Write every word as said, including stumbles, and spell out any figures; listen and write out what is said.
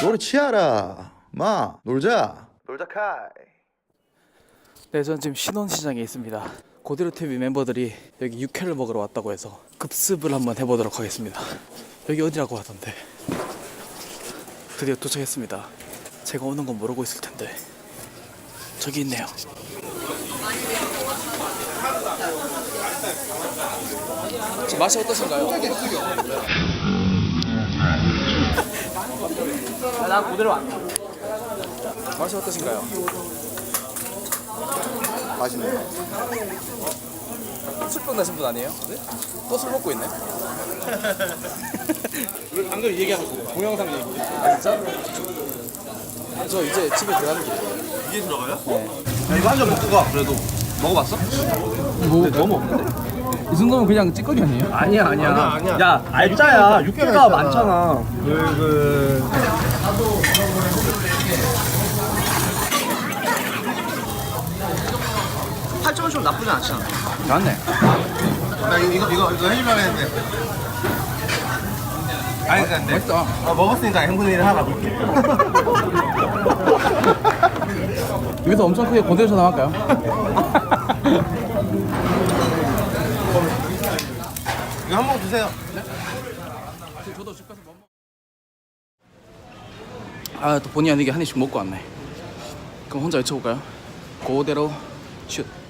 노래 치아라. 마 놀자. 놀자 카이. 네, 전 지금 신원시장에 있습니다. 고대로 티비 멤버들이 여기 육회를 먹으러 왔다고 해서 급습을 한번 해보도록 하겠습니다. 여기 어디라고 하던데. 드디어 도착했습니다. 제가 오는 건 모르고 있을 텐데 저기 있네요. 저 맛이 어떠신가요? 나 고대로 왔다. 맛이 어떠신가요? 맛있네요. 술병 나신 분 아니에요? 네? 또 술 먹고 있네? 방금 얘기하고 있어요. 동영상 얘기. 아, 진짜? 저 이제 집에 들어가는 길이에요. 이게 들어가요? 네. 야, 이거 한 잔 먹고 가. 그래도 먹어봤어? 뭐, 너무 없는데? 이 정도면 그냥 찌꺼기 아니에요? 아니야 아니야. 아니야, 아니야. 야 알짜야. 육개가 많잖아. 그 그. 팔 점은 좀 나쁘지 않잖아. 맞네. 나 이거 이거 이거, 이거 해주려고 했는데. 아니 근데 맛있다. 아, 먹었으니까 행분의 일을 하나 볼게. 여기서 엄청 크게 고대로 나갈까요? 이거 한 번 드세요. 저도 집 가서 뭐 먹... 아, 또 본의 아니게 한 입씩 먹고 왔네. 그럼 혼자 외쳐볼까요? 고대로 슛.